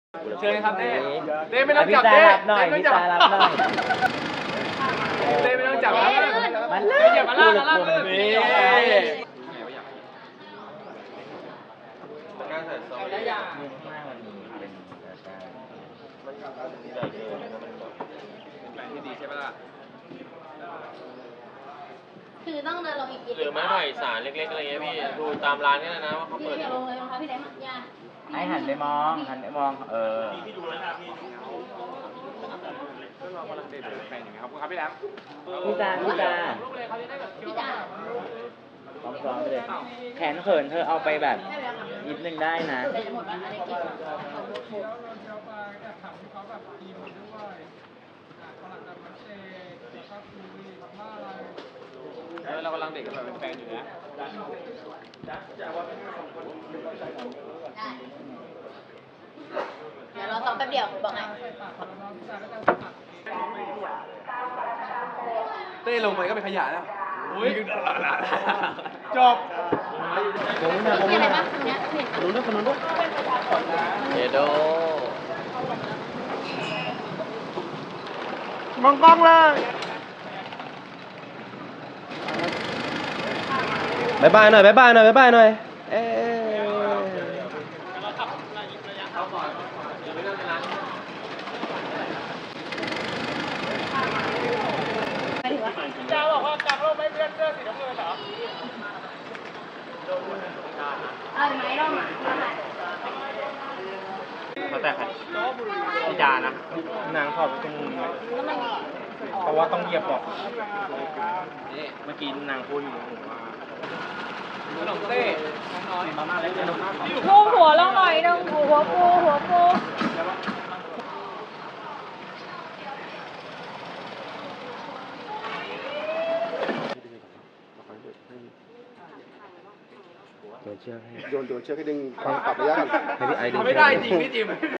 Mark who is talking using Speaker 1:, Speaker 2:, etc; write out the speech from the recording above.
Speaker 1: เชิญครับเต้เต้ไม่ต้องจับเต้เต้ไม่จับเต้ไม่ต้องจับครับ
Speaker 2: มัน
Speaker 1: เต้อย่ามาล่าเลยนี่การใส่ซองได้ยังเป็นแปลงที่ดีใช่ไหมล่ะ
Speaker 3: คือต้องเดินลงอีกกี่
Speaker 4: หรือไม้ไผ่สารเล็กๆอะไรเงี้ยพี่ดูตามร้านนี่นะว่าเขา
Speaker 3: พี่
Speaker 4: เปิด
Speaker 3: เดี๋ยวลงเลยนะคะพี่เล็กยา
Speaker 2: ให้หันไปมองหันไปมอง
Speaker 1: เรากำลังเดินแปลงอยู่ครับคุณครับพี่แหลม
Speaker 2: พี่จา
Speaker 3: พี่จ๋า
Speaker 2: ซ้อมไปเลยแขนเขินเธอเอาไปแบบนิดนึงได้นะ
Speaker 3: แต่จะหมดวันอะไรกิน
Speaker 1: เรากำลังเด็กกันแบบเป็นแฟนอยู่นะ
Speaker 3: ได้เดี๋ยวเราซ้อมแป๊บเดียวบอกไง
Speaker 1: เต้ลงไปก็เป็นขยะแล้วอุ้ยจบ
Speaker 3: มีอะไรบ้างตรงเนี้ยเห็น
Speaker 2: รู้เรื่องคนนู้นด้วย
Speaker 4: เอโด
Speaker 2: มองกล้องเลยบายบายหน่อยบายบายหน่อยบายบายหน่อยเอ๊
Speaker 1: จ้าบอกว่ากางร่มไม่เพื่อนเสื้อสีน้ำเงินเหรอ
Speaker 3: เอาไหมร่มอ่ะ
Speaker 2: เขาแต่ใครพี่จานะนางถอดไปตรงมุมเลยเพราะว่าต้องเหยียบบอกเมื่อกี้นางพูดอยู่
Speaker 1: ขนมเต้น้อยมาม่าเล็กๆ
Speaker 5: ลูกหัวลงหน่อยนึงหัวปู
Speaker 2: โยนเชือกให้
Speaker 6: โยนเชือกให้ดึงความปรับระยะกัน
Speaker 2: ให้พี่ไอดึง
Speaker 1: ไม่ได้จริงพี่จิม